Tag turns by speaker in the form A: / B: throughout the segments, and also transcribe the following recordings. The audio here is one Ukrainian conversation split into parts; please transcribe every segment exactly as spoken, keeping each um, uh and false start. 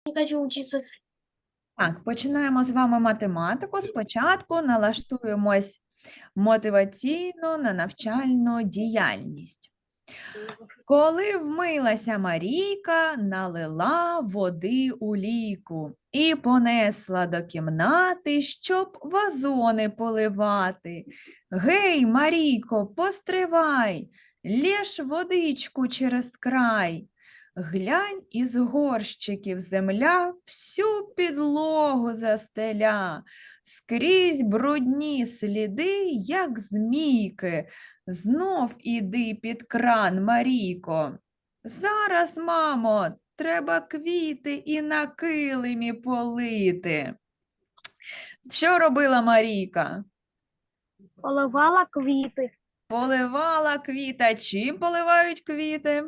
A: Не хочу учиться.
B: Так, починаємо з вами математику. Спочатку налаштуємось мотиваційно на навчальну діяльність. Коли вмилася Марійка, налила води у лійку і понесла до кімнати, щоб вазони поливати. Гей, Марійко, постривай, лєш водичку через край. Глянь, із горщиків земля всю підлогу застеля, скрізь брудні сліди, як змійки. Знов іди під кран, Марійко. Зараз, мамо, треба квіти і на килимі полити. Що робила Марійка?
A: Поливала квіти.
B: Поливала квіта. Чим поливають квіти?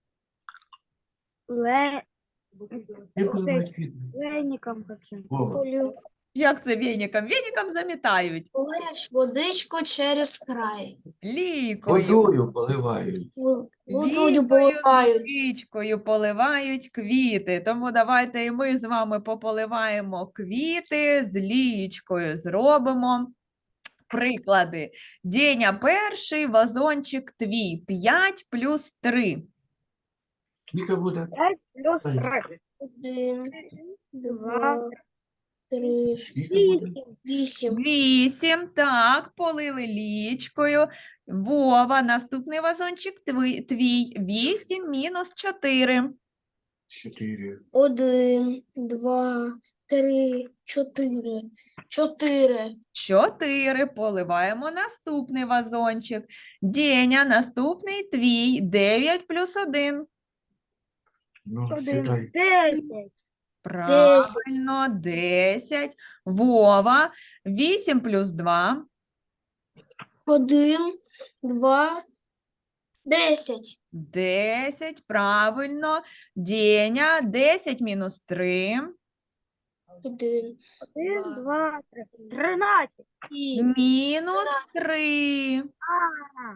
A: Ле...
C: Як поливають квіти?
A: Леником каким.
C: Вова.
B: Як це веніком? Веніком замітають.
A: Полиш водичку через край.
B: Лійкою.
C: Водою поливають.
A: Водою
B: Лікою,
A: поливають.
B: водичкою поливають квіти. Тому давайте і ми з вами пополиваємо квіти з лієчкою. Зробимо приклади. Деня перший, вазончик твій. п'ять плюс три.
C: Скільки буде?
A: п'ять плюс
C: Ай.
A: три. Один, два, три,
C: Скільки буде?
A: вісім.
B: вісім. Так, полили лієчкою. Вова, наступний вазончик твій. твій. вісім мінус чотири.
C: Чотири.
A: Один, два, три, чотири. Чотири.
B: чотири. Поливаємо наступний вазончик. Деня, наступний твій. дев'ять плюс один.
C: Ну,
A: Один.
C: сідай.
A: Десять.
B: Правильно, десять. Вова, вісім плюс два.
A: Один, два, десять.
B: десять, правильно. Деня, десять мінус три.
A: Один,
D: Один,
A: Два.
D: два, три. Тринадцять.
A: сім.
B: Мінус три.
D: А.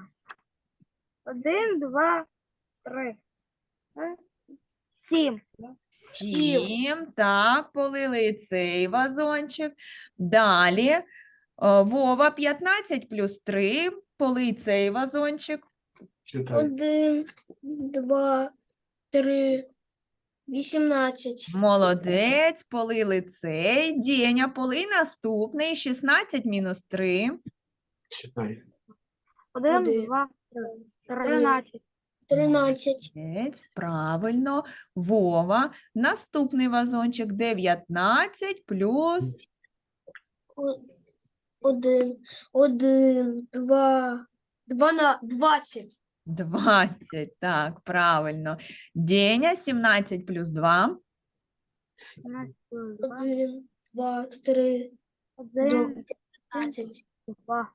D: Один, два, три. Е, Сім.
A: Сім.
B: сім. Так, полили і цей вазончик. Далі. О, Вова, п'ятнадцять плюс три. Полий цей вазончик.
C: Читай.
A: Один, два, три, вісімнадцять.
B: Молодець, полили цей. Деня, полий наступний. шістнадцять мінус три.
C: Читай.
D: Один,
A: Один.
D: два, три. Тринадцять.
A: Тринадцять.
B: Молодець, правильно. Вова, наступний вазончик. дев'ятнадцять плюс
A: О- Один, один, два, два на двадцять.
B: двадцять. Так, правильно. Деня, сімнадцять плюс два.
D: Тринадцять плюс два.
A: Один, два, три,
D: Один,
A: п'ятнадцять.
D: два.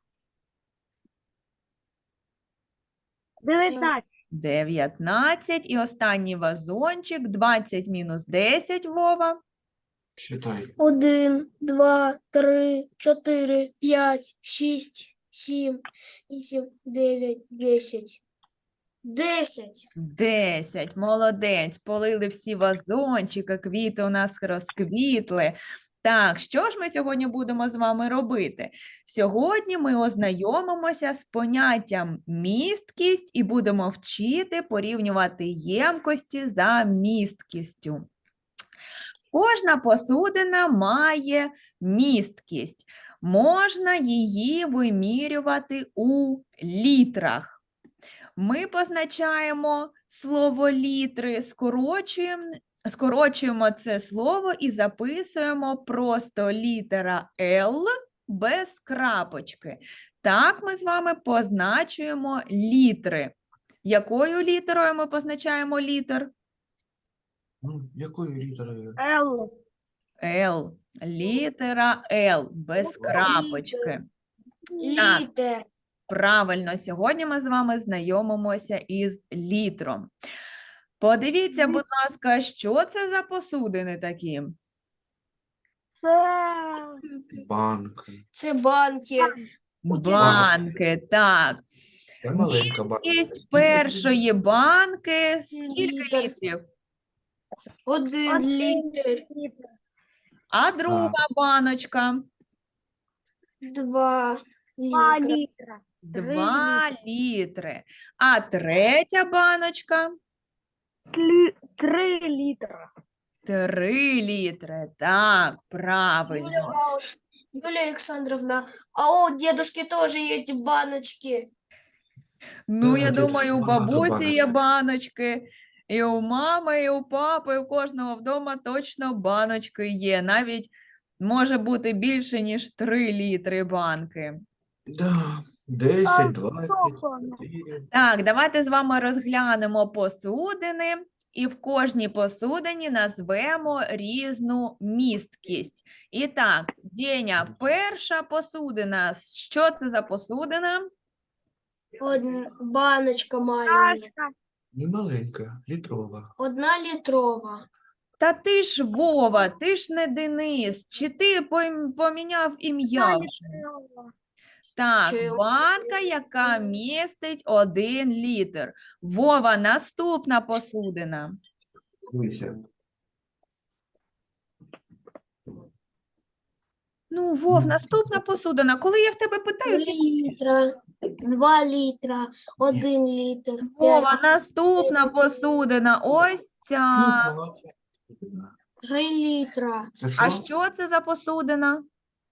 D: Дев'ятнадцять.
B: дев'ятнадцять. І останній вазончик. двадцять мінус десять, Вова.
C: Читай.
A: Один, два, три, чотири, п'ять, шість, сім, вісім, дев'ять, десять. Десять.
B: десять. Молодець. Полили всі вазончики, квіти у нас розквітли. Так, що ж ми сьогодні будемо з вами робити? Сьогодні ми ознайомимося з поняттям місткість і будемо вчити порівнювати ємкості за місткістю. Кожна посудина має місткість. Можна її вимірювати у літрах. Ми позначаємо слово літри, скорочуємо, скорочуємо це слово і записуємо просто літера L без крапочки. Так ми з вами позначуємо літри. Якою літерою ми позначаємо літер?
C: Ну, якою літерою?
D: Л.
B: L. Літера L без крапочки. Так.
A: Літер.
B: Правильно, сьогодні ми з вами знайомимося із літром. Подивіться, будь ласка, що це за посудини такі?
D: Це
C: Банка.
A: Це банки.
B: Банки, так.
C: Це маленька банка.
B: Є першої банки. Скільки
A: Літр.
B: літрів?
A: Один
D: Один
A: літр.
D: літр.
B: А друга баночка?
A: Два
D: Два
A: літра.
D: літра. Три
B: Два літри. А третя баночка?
D: Тлі- Три літра.
B: Три літри. Так,
A: Юлия
B: правильно.
A: Бауш, Юлия Александровна, а у дедушки тоже есть баночки.
B: Ну,
C: Да,
B: я
C: дідусь,
B: думаю, у
C: багато
B: бабусі є
C: баночок.
B: баночки, і у мами, і у папи, і у кожного вдома точно баночки є. Навіть може бути більше, ніж три літри банки.
C: Да, десять, двадцять,
D: Софона.
C: чотири.
B: Так, давайте з вами розглянемо посудини, і в кожній посудині назвемо різну місткість. І так, Деня, перша посудина. Що це за посудина?
A: Од- Баночка маленькая.
D: Чашка.
C: Не маленька, літрова.
A: Одна літрова.
B: Та ти ж Вова, ти ж не Денис. Чи ти пом- поміняв ім'я
D: Одна
B: вже?
D: літрова.
B: Так,
A: Чи-
B: банка, яка містить один літр. Вова, наступна посудина.
C: Дивися.
B: Ну, Вов, наступна посудина. Коли я в тебе питаю,
A: Три
B: ти
A: літра. Два літра. Один літр.
B: Вова,
A: П'ять.
B: наступна посудина. Ось ця.
C: Чого?
A: Три літра.
C: Це
B: А
C: що?
B: що це за посудина?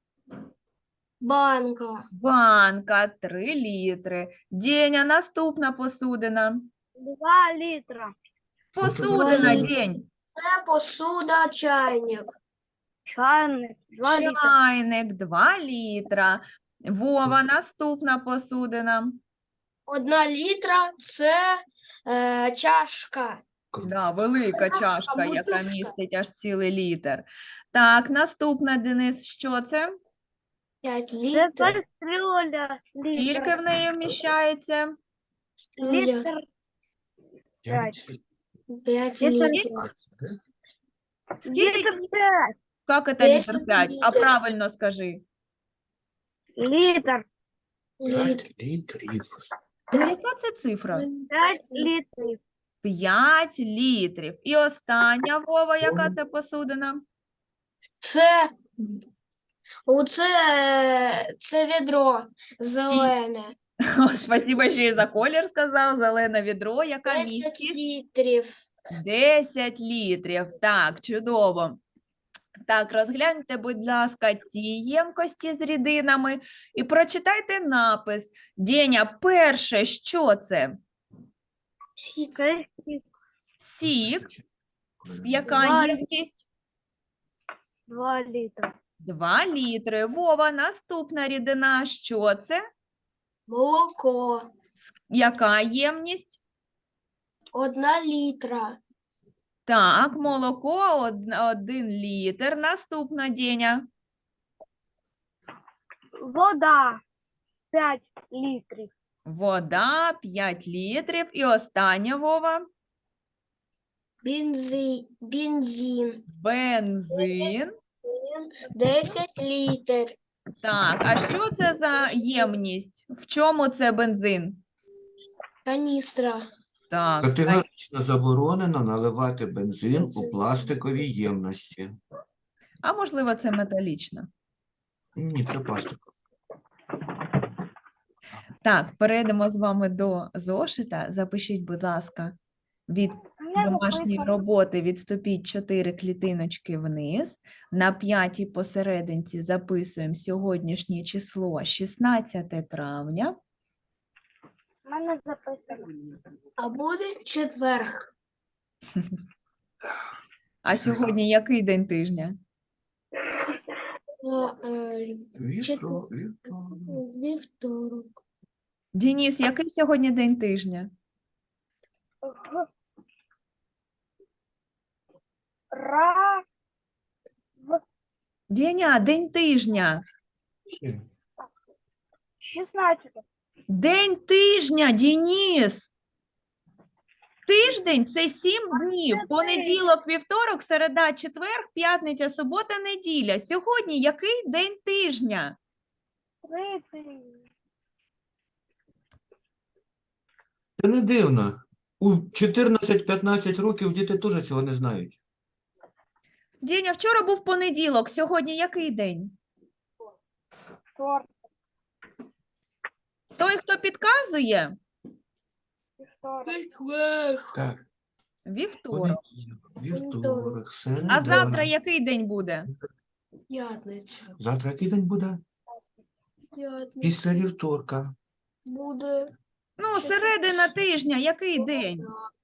A: Банка.
B: Банка, три літри. Деня, наступна посудина.
D: Два літра.
B: Посудина,
A: літри.
B: День.
A: Це посуда, чайник.
D: Чайник. Два літра.
B: Чайник, два літра. Вова, наступна посудина.
A: Одна літра це е, чашка.
B: Да, велика
A: Наша
B: чашка, яка
A: бутушка.
B: містить аж цілий літр. Так, наступна, Денис, що це?
A: П'ять
D: Це
A: літр.
D: кастрюля.
B: Скільки
D: Літр.
B: в неї вміщається?
D: Літр.
C: П'ять.
A: П'ять
D: Літр.
A: літрів.
B: Скільки?
D: Літр п'ять.
B: Як це літр
A: Десять
B: п'ять? А
A: літрів.
B: правильно скажи.
D: Літр.
C: П'ять літрів.
B: Ну, яка це цифра?
D: П'ять літрів.
B: П'ять літрів. І остання, Вова, яка це посудина?
A: Це, оце, це відро зелене.
B: О, спасибо, що і за колір сказав. Зелене відро, яка
A: Десять
B: містить?
A: літрів.
B: десять літрів. Так, чудово. Так, розгляньте, будь ласка, ці ємкості з рідинами і прочитайте напис. Деня, перше, що це?
A: Сік.
D: Це
B: Сік. С- Яка
D: Два
B: ємкість?
D: два літра.
B: Два літри. Вова, наступна рідина. Що це?
A: Молоко.
B: Яка ємність?
A: Одна літра.
B: Так, молоко од- один літр. Наступна, Деня.
D: Вода. П'ять літрів.
B: Вода п'ять літрів. І остання, Вова.
A: Бензин. Бензин.
B: Бензин.
A: Десять літр.
B: Так, а що це за ємність? В чому це бензин?
A: Каністра.
B: Так,
C: Категорично заборонено наливати бензин у пластикові ємності.
B: а можливо, це металічна.
C: Ні, це пластик.
B: Так, перейдемо з вами до зошита. Запишіть, будь ласка, від
D: Я
B: домашньої
D: записала.
B: роботи відступіть чотири клітиночки вниз. На п'ятій посерединці записуємо сьогоднішнє число шістнадцяте травня.
D: У мене записано.
A: А буде четверг.
B: А сьогодні який день тижня?
A: О, е,
C: Вітро, вітро.
A: Вівторок.
B: Дініс, який сьогодні день тижня?
D: Ра.
B: Деня, день тижня.
C: Ще.
D: Шістнадцяте.
B: День тижня, Дініс. Тиждень – це сім днів.
D: це
B: Понеділок, вівторок, середа, четвер, п'ятниця, субота, неділя. Сьогодні який день тижня?
D: Тридцять.
C: Це не дивно. У чотирнадцять-п'ятнадцять років діти теж цього не знають.
B: Діня, вчора був понеділок, сьогодні який день?
D: Вторник.
B: Той, хто підказує?
D: Вторник.
C: Так,
B: Вівторок.
C: понеділок, вівторок, середа.
B: А завтра який день буде?
A: П'ятниця.
C: Завтра який день буде?
A: П'ятниця.
C: Після вівторка.
A: Буде.
B: Ну, середина тижня, який день?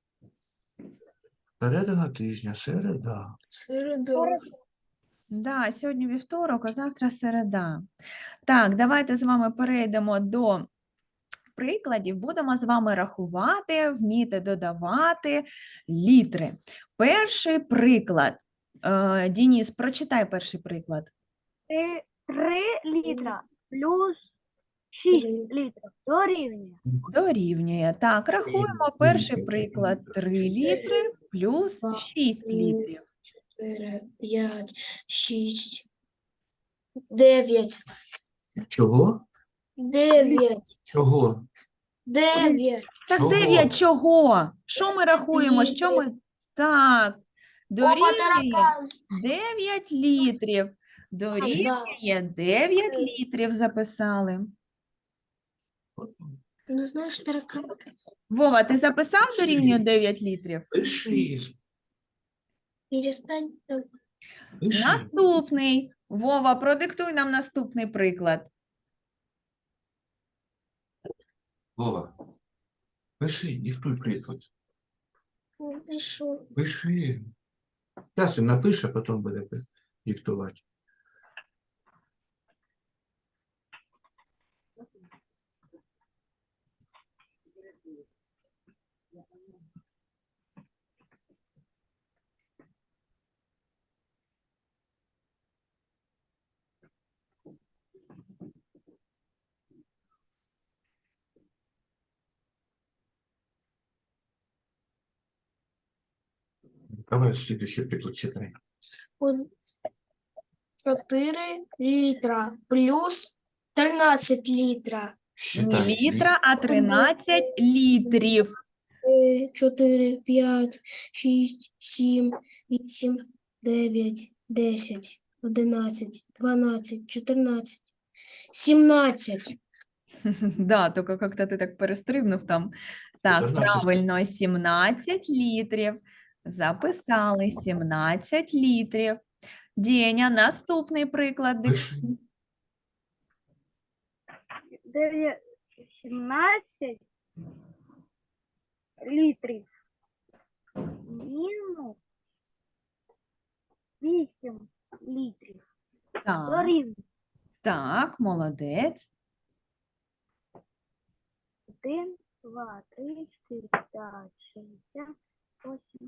C: Середина тижня, середа.
A: Середа.
B: Да, сьогодні вівторок, а завтра середа. Так, давайте з вами перейдемо до прикладів. Будемо з вами рахувати, вміти додавати літри. Перший приклад. Е, Дініс, прочитай перший приклад.
D: Три, три літра плюс шість літрів дорівнює.
B: Дорівнює. Так, рахуємо перший приклад. три літри плюс шість літрів.
A: Чотири, п'ять, шість, дев'ять.
C: Чого?
A: Дев'ять.
C: Чого?
A: Дев'ять.
B: Так,
C: Чого?
B: дев'ять чого? Що ми рахуємо? Що ми... Так,
A: Опа,
B: дорівнює
A: таракан.
B: дев'ять літрів. Дорівнює дев'ять літрів записали.
A: Ну, знаєш, таракан.
B: Вова, ти записав дорівнює дев'ять літрів?
C: Пиши,
A: Перестань там.
C: пиши.
B: Наступний. Вова, продиктуй нам наступний приклад.
C: Вова, пиши, диктуй приклад.
A: Пишу.
C: Пиши. Зараз він напише, а потім буде пи- диктувати. Давай следующий приклад читай.
A: Он чотири літра плюс тринадцять літра.
B: Не
C: Считай.
B: літра, а тринадцять літрів.
A: Три, чотири, п'ять, шість, сім, вісім, дев'ять, десять, одинадцять, дванадцять, чотирнадцять, сімнадцять.
B: Да, тільки як-то ти так перестрибнув там. Так,
C: чотирнадцять.
B: правильно, сімнадцять літрів. Записали сімнадцять літрів. Деня, наступний приклад.
C: Пиши.
D: Дев'ять, сімнадцять літрів мінус вісім літрів
B: Так,
D: дорівнює.
B: так, молодець.
D: Один, два, три, чотири, п'ять, шість, сім, восемь,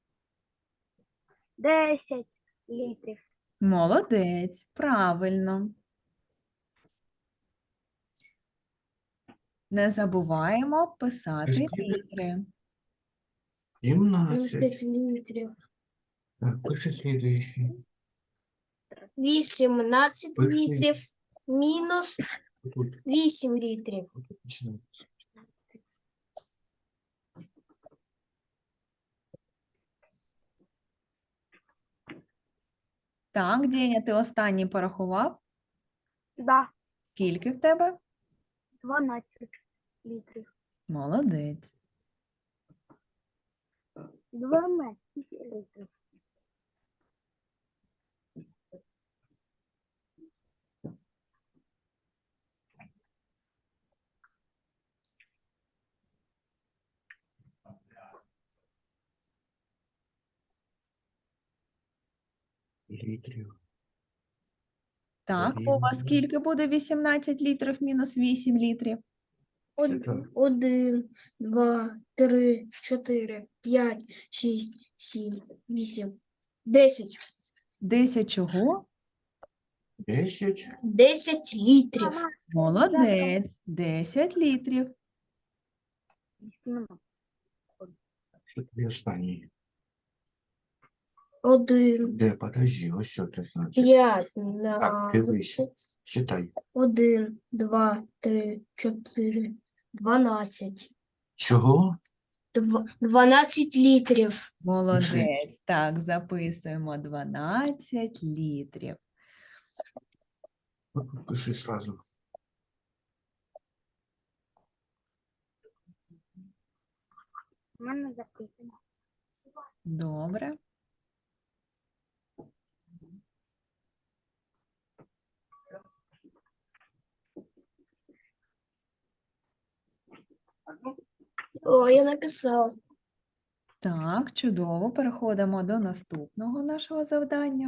D: десять літрів.
B: Молодець, правильно. Не забуваємо писати
C: Скільки?
B: літри.
C: сімнадцять.
A: літрів.
C: Так, пиши слідуючий.
A: вісімнадцять
C: Пиши.
A: літрів мінус
C: Тут,
A: вісім літрів.
C: тут починай.
B: Так, Деня, ти останній порахував?
D: Да,
B: Скільки в тебе?
D: дванадцять літрів.
B: Молодець.
D: дванадцять літрів.
C: Літрів.
B: Так, Вова,
C: Дорівнює.
B: скільки буде вісімнадцять літрів мінус вісім літрів?
A: Од-
C: Так.
A: Один, два, три, чотири, п'ять, шість, сім, вісім, десять.
B: десять чого?
C: Десять.
A: Десять літрів.
B: Молодець. десять літрів.
C: Що тобі останній?
A: Один,
C: Де, подожди, ось що п'ятнадцять.
A: п'ять,
C: Так, дивись. Читай.
A: один, два, три, чотири, дванадцять.
C: Чого?
A: Дв- дванадцять літрів.
B: Молодець. Так, записуємо дванадцять літрів.
C: Пиши сразу.
D: У мене записано.
B: Добре.
A: О, я написала.
B: Так, чудово. Переходимо до наступного нашого завдання.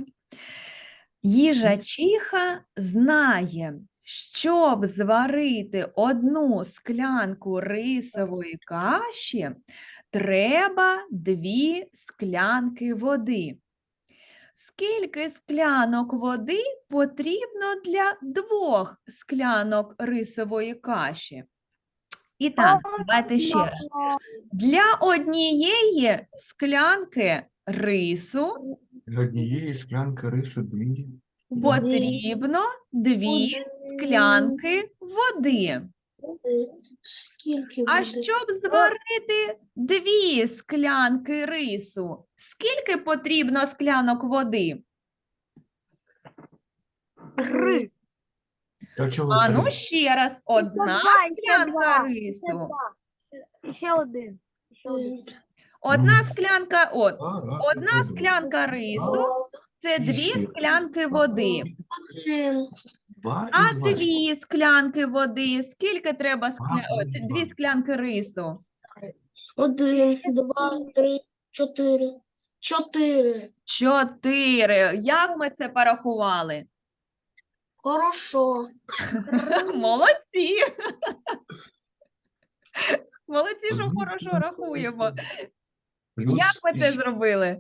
B: Їжачиха знає, щоб зварити одну склянку рисової каші, треба дві склянки води. Скільки склянок води потрібно для двох склянок рисової каші? І так, давайте ще раз. Для однієї склянки рису
C: Для однієї склянки рису дві.
B: потрібно дві склянки води.
A: Е, Скільки
B: А
A: буде?
B: щоб зварити дві склянки рису, скільки потрібно склянок води?
A: Три.
C: Та чого
B: А ну
C: три?
B: ще раз, одна
D: два, і ще
B: склянка
D: два,
B: рису.
D: І ще один. І ще один.
B: Одна
C: Ну,
B: склянка, от,
C: А, раз,
B: одна
C: один.
B: склянка рису – це
C: І
B: дві
C: ще.
B: склянки води.
A: Один.
C: Два
B: А
C: і два.
B: дві склянки води, скільки треба скля...
C: Два
B: о,
C: плюс
B: т-
C: два.
B: дві склянки рису?
A: Один, два, три, чотири. Чотири.
B: Чотири. Як ми це порахували?
A: Хорошо.
B: Молодці. Молодці, що
C: Одну
B: хорошо
C: склянку
B: рахуємо.
C: Плюс
B: Як ми
C: і
B: це
C: ще.
B: зробили?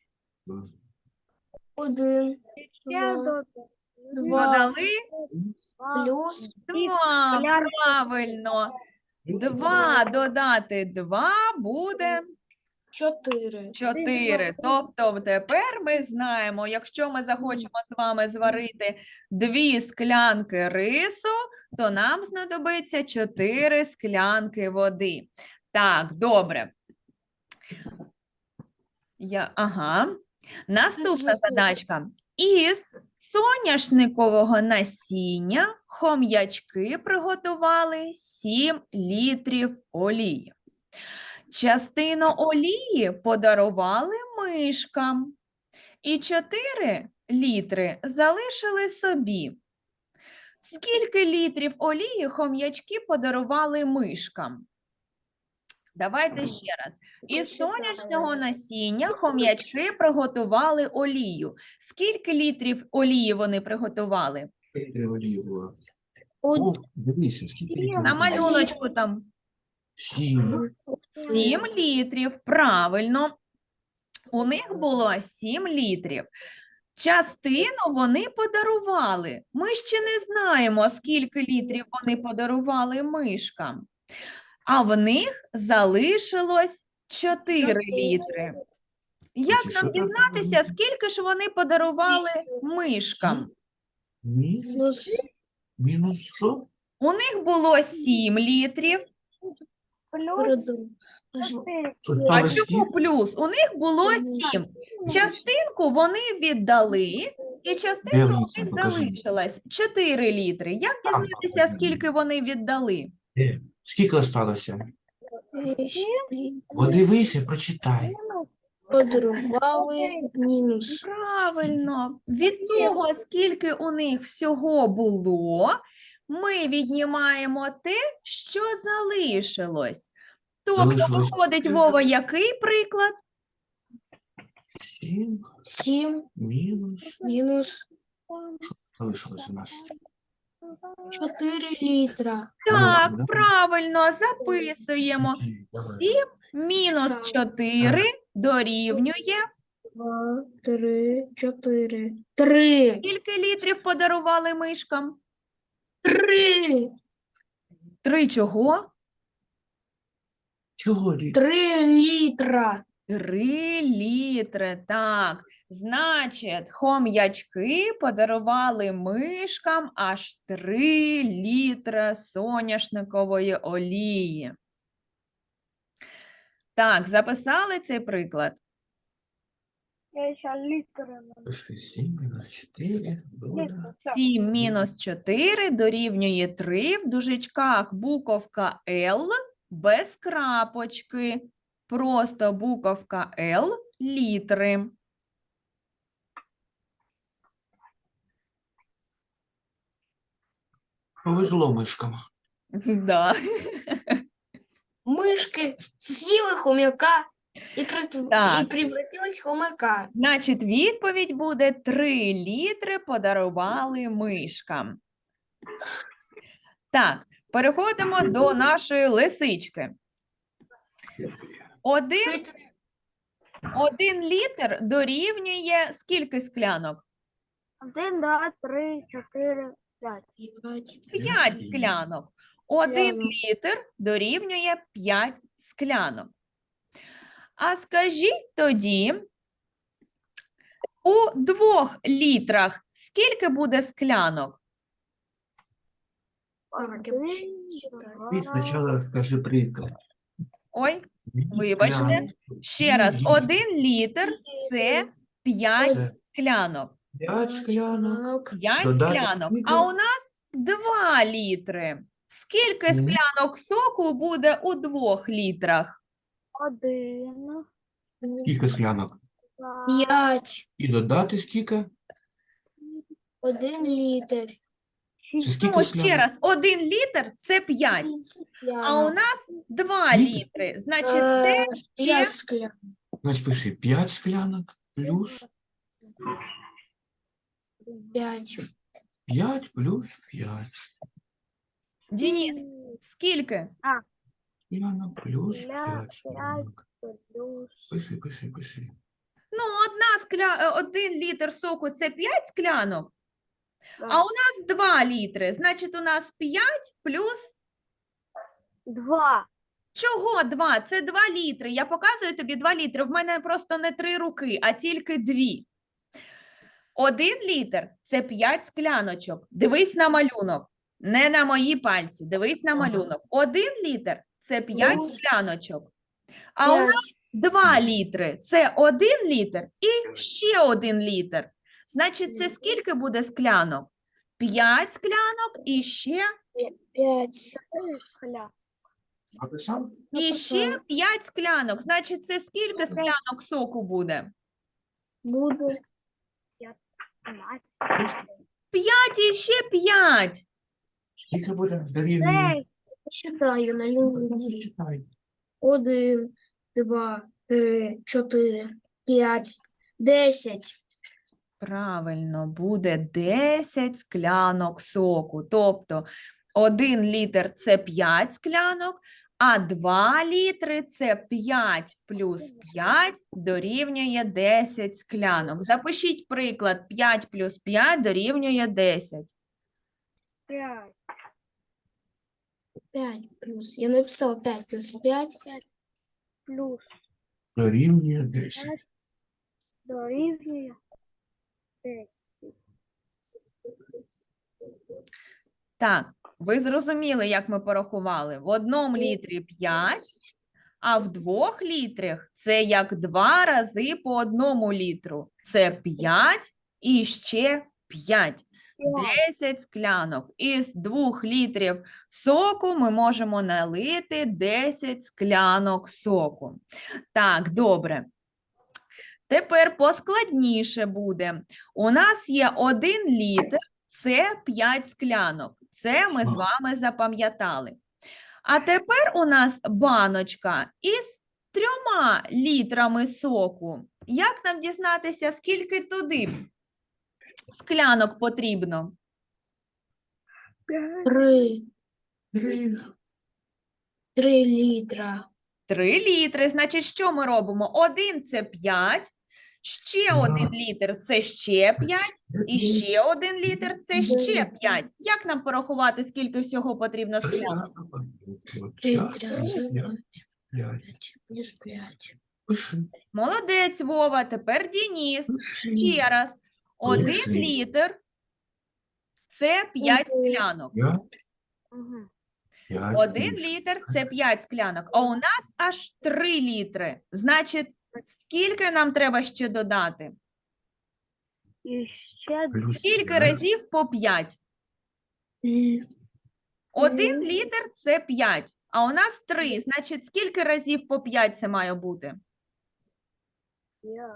A: Один,
D: Ще
A: Два.
D: до-
A: Два.
B: Додали
A: плюс
B: два.
D: склянки.
B: Правильно. Два додати два буде
A: чотири.
B: чотири. Тобто тепер ми знаємо, якщо ми захочемо з вами зварити дві склянки рису, то нам знадобиться чотири склянки води. Так, добре. Я, ага. Наступна задачка. Із соняшникового насіння хом'ячки приготували сім літрів олії. Частину олії подарували мишкам і чотири літри залишили собі. Скільки літрів олії хом'ячки подарували мишкам? Давайте ще раз. Із сонячного насіння хом'ячки приготували олію. Скільки літрів олії вони приготували?
C: Скільки олії було?
A: Од-
C: О, дивися, скільки літрів
B: На
C: води?
B: малюночку там
C: Сім.
B: сім літрів. Правильно. У них було сім літрів. Частину вони подарували. Ми ще не знаємо, скільки літрів вони подарували мишкам. А в них залишилось чотири
A: Чотири.
B: літри. Як
C: Значить, що
B: нам
C: там
B: дізнатися,
C: було?
B: скільки ж вони подарували мишкам?
C: Мінус,
A: Плюс
C: мінус що?
B: У них було сім літрів.
D: Плюс
A: один.
D: чотири.
B: А
C: Осталось
B: чому
C: скільки?
B: плюс? У них було сім. Частинку вони віддали, і частинка у
C: Дивися,
B: них
C: покажи.
B: залишилась чотири літри. Як
C: Там
B: дізнатися,
C: покажи.
B: скільки вони віддали?
C: Де? Скільки осталося?
A: Вісім.
C: Подивися, прочитай.
A: Подарували мінус.
B: Правильно. Від того, скільки у них всього було, ми віднімаємо те, що залишилось. Тобто,
C: Залишилось
B: виходить,
C: скільки?
B: Вова, який приклад?
C: Сім
A: Сім
C: мінус.
A: мінус
C: Залишилось у нас.
A: чотири літра.
B: Так,
C: Молодці, да?
B: правильно, записуємо.
C: Давай.
B: сім мінус чотири дорівнює.
A: Два, три, чотири. Три.
B: Скільки літрів подарували мишкам?
A: Три.
B: Три чого?
C: Чого літ?
A: Три літра.
B: Три літри, так. Значить, хом'ячки подарували мишкам аж три літри соняшникової олії. Так, записали цей приклад?
D: Я ще літери не
C: Пиши сім мінус чотири буде.
D: літери. Все.
B: сім мінус чотири дорівнює три, в дужечках буковка L без крапочки. Просто буковка L літри.
C: Повезло мишкам.
B: Да.
A: Мишки з'їли хомяка і, притв-
B: Так.
A: і превратились в хомяка.
B: Значить, відповідь буде три літри подарували мишкам. Так, переходимо до нашої лисички. Один,
A: Хитрий.
B: один літр дорівнює скільки склянок?
D: Один, два, три, чотири, п'ять.
B: П'ять склянок. Один
A: Склянок.
B: літр дорівнює п'ять склянок. А скажіть тоді, у двох літрах скільки буде склянок?
A: Так, я
D: Один,
A: считаю.
C: Ти
D: два,
C: спочатку розкажи приклад.
B: Ой,
C: Дві
B: Вибачте.
C: склянки.
B: ще раз.
C: Дві.
B: Один літр – це п'ять
C: Це
B: склянок.
C: п'ять склянок.
B: П'ять
C: Додати
B: склянок.
C: скільки?
B: А у нас два літри. Скільки
C: Мгм.
B: склянок соку буде у двох літрах?
D: один,
C: Скільки склянок?
D: два,
A: П'ять.
C: І додати скільки?
A: Один літр.
C: Це
D: шість.
C: скільки
B: Ну, ще
C: склянок?
B: раз, один літр – це п'ять. А у нас два
C: Ні.
B: літри. Значить, це
A: Е,
B: ще
A: П'ять склянок.
C: Значить, пиши п'ять склянок плюс
A: П'ять.
C: п'ять плюс п'ять.
B: Денис, скільки?
C: Склянок плюс
D: П'ять,
C: п'ять
D: п'ять.
C: склянок.
D: Плюс.
C: Пиши, пиши, пиши.
B: Ну, одна скля... е, один літр соку – це п'ять склянок, а
D: Так.
B: у нас два літри. Значить, у нас п'ять плюс
D: Два.
B: чого два? Це два літри. Я показую тобі два літри. В мене просто не три руки, а тільки дві. Один літр – це п'ять скляночок. Дивись на малюнок. Не на мої пальці. Дивись на малюнок. Один літр – це п'ять
A: Ну.
B: скляночок. А у нас
A: П'ять.
B: два літри – це один літр і ще один літр. Значить, це скільки буде склянок? П'ять склянок і ще,
A: П'ять.
D: Чотири скля.
C: Написав?
B: і ще
A: Написала.
B: п'ять склянок. Значить, це скільки склянок соку буде?
A: Буде.
D: П'ятнадцять.
B: П'ять і ще п'ять.
C: Скільки буде? Дорівнює.
D: Десять.
A: Читаю на лінії.
C: Читай.
A: Один, два, три, чотири, п'ять, десять.
B: Правильно, буде десять склянок соку. Тобто один літр – це п'ять склянок, а два літри – це п'ять плюс п'ять дорівнює десять склянок. Запишіть приклад: п'ять плюс п'ять дорівнює десять.
D: П'ять.
A: П'ять плюс. Я написала п'ять плюс п'ять.
D: Плюс.
C: Дорівнює десять.
D: Дорівнює десять.
B: Так, ви зрозуміли, як ми порахували? В одному літрі п'ять, а в двох літрах це як два рази по одному літру. Це п'ять і ще п'ять. десять склянок. Із двох літрів соку ми можемо налити десять склянок соку. Так, добре. Тепер поскладніше буде. У нас є один літр, це п'ять склянок. Це ми з вами запам'ятали. А тепер у нас баночка із трьома літрами соку. Як нам дізнатися, скільки туди склянок потрібно?
D: П'ять.
A: Три.
C: Три.
A: Три літра.
B: Три літри. Значить, що ми робимо? Один – це п'ять, ще
C: Да.
B: один літр – це ще п'ять, і ще один літр – це ще п'ять. Як нам порахувати, скільки всього потрібно
C: Три
B: склянок?
C: рази по п'ять.
A: Три
C: П'ять плюс
A: рази
C: п'ять.
A: п'ять.
C: П'ять.
A: П'ять плюс п'ять.
C: Пиши.
B: Молодець, Вова. Тепер Дініс.
C: Пиши.
B: Ще раз. Один
C: Пиши.
B: літр – це п'ять
A: Мгм.
B: склянок.
C: П'ять.
D: Мгм.
C: П'ять
B: Один
C: плюс.
B: літр – це п'ять склянок, а у нас аж три літри. Значить, скільки нам треба ще додати?
D: І ще
C: Плюс
B: Скільки
C: п'ять.
B: разів по п'ять? Один
A: Плюс.
B: літр – це п'ять, а у нас три. Значить, скільки разів по п'ять це має бути?
D: п'ять.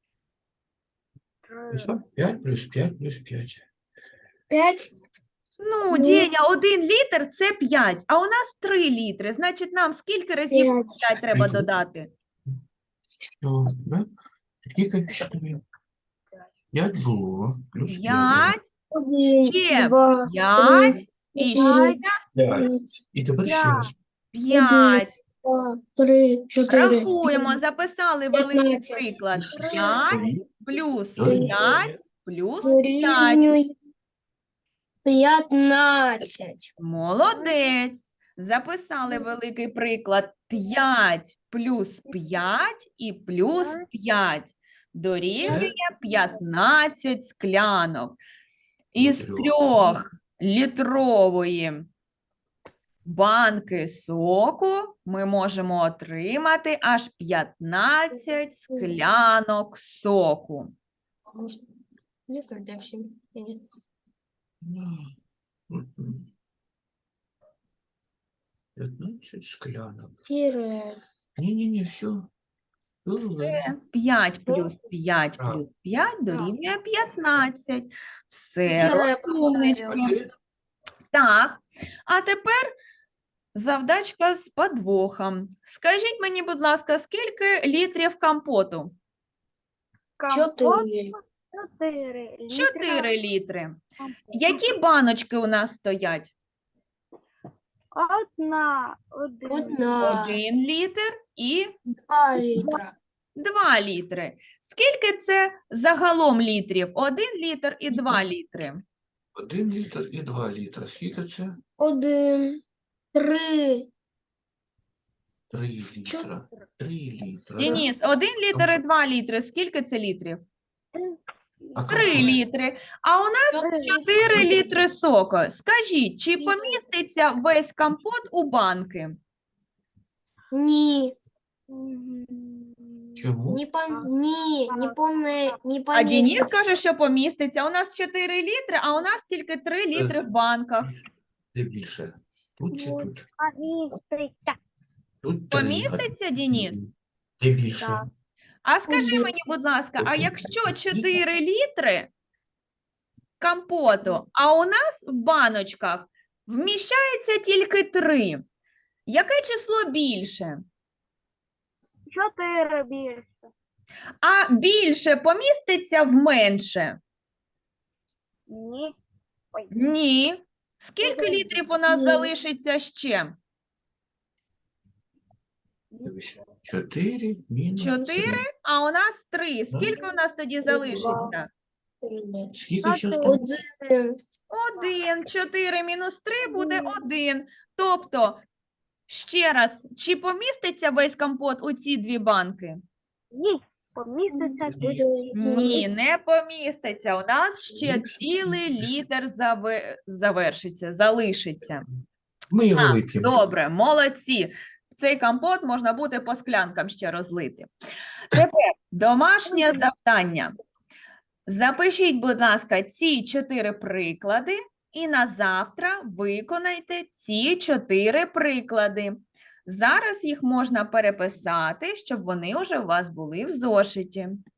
D: Три.
C: Ну що? П'ять плюс п'ять плюс п'ять.
A: П'ять.
B: Ну,
A: Ну.
B: Деня, один літр – це п'ять, а у нас три літри. Значить, нам скільки разів по
A: П'ять.
B: п'ять треба додати?
C: Що, да? Скільки ще тобі? П'ять було. Плюс п'ять.
B: п'ять,
A: Один,
B: Ще
A: два,
B: п'ять
A: три,
B: і
A: чотири,
B: ще
C: П'ять.
A: п'ять,
C: І тепер ще
D: П'ять.
C: раз.
B: п'ять.
A: два, три, чотири.
B: Рахуємо,
A: п'ять,
B: записали великий
A: п'ятнадцять.
B: приклад.
D: Три.
B: п'ять плюс
C: Дорівнює.
B: п'ять плюс п'ять.
A: Дорівнює п'ятнадцять.
B: Молодець. Записали великий приклад. п'ять плюс п'ять і плюс п'ять. Дорівнює п'ятнадцять склянок. Із
C: Трьох.
B: трьох літрової банки соку ми можемо отримати аж п'ятнадцять склянок соку.
A: Никогда всем.
C: Мгм. п'ятнадцять склянок.
A: Тире.
C: Ні-ні-ні, все.
B: Це п'ять плюс п'ять
C: А.
B: плюс п'ять дорівнює п'ятнадцять. Все,
A: Тире
B: розумнички.
A: поставила.
B: Так, а тепер завдачка з подвохом. Скажіть мені, будь ласка, скільки літрів компоту?
D: Компот
A: Чотири.
D: чотири. літра
B: Чотири літри.
D: компоту.
B: Які баночки у нас стоять?
D: Одна. Один.
A: Одна.
B: Один літр і
A: Два літра.
B: два літри. Скільки це загалом літрів? Один літр і два літри.
C: Один літр і два літра. Скільки це?
A: Один. Три.
C: Три літра. Три літра. да?
B: Деніс, один літр і два літри. Скільки це літрів?
C: А
B: Три
C: компот?
B: літри. А у нас чотири літри соку. Скажіть, чи поміститься весь компот у банки?
A: Ні.
D: Мгм.
C: Чому?
A: Не пом... Ні. Не помне... Не
B: А Денис
A: поміститься.
B: каже, що поміститься. У нас чотири літри, а у нас тільки три літри в банках.
C: Де більше? Тут чи
D: Ой.
C: тут?
D: Поміститься.
C: Тут три.
B: Поміститься, Денис?
C: Де більше?
D: Так.
B: А скажи
A: Один.
B: мені, будь ласка, а
C: Один.
B: якщо чотири літри компоту, а у нас в баночках вміщається тільки три, яке число більше?
D: Чотири більше.
B: А більше поміститься в менше?
D: Ні. Ой.
B: Ні. Скільки літрів у нас
A: Ні.
B: залишиться ще?
C: Дивись. Чотири мінус
B: Чотири,
C: три.
B: а у нас три. Скільки у нас тоді залишиться?
C: Скільки ще
D: Чотири.
C: там?
A: Один.
B: Один. Чотири мінус три буде один. Тобто, ще раз, чи поміститься весь компот у ці дві банки?
D: Ні. Поміститься
C: Ні.
B: Ні, не поміститься. У нас ще цілий літр заве- завершиться, залишиться.
C: Ми його
B: Так,
C: вип'ємо.
B: добре, молодці. Цей компот можна буде по склянкам ще розлити. Тепер домашнє завдання. Запишіть, будь ласка, ці чотири приклади і на завтра виконайте ці чотири приклади. Зараз їх можна переписати, щоб вони вже у вас були в зошиті.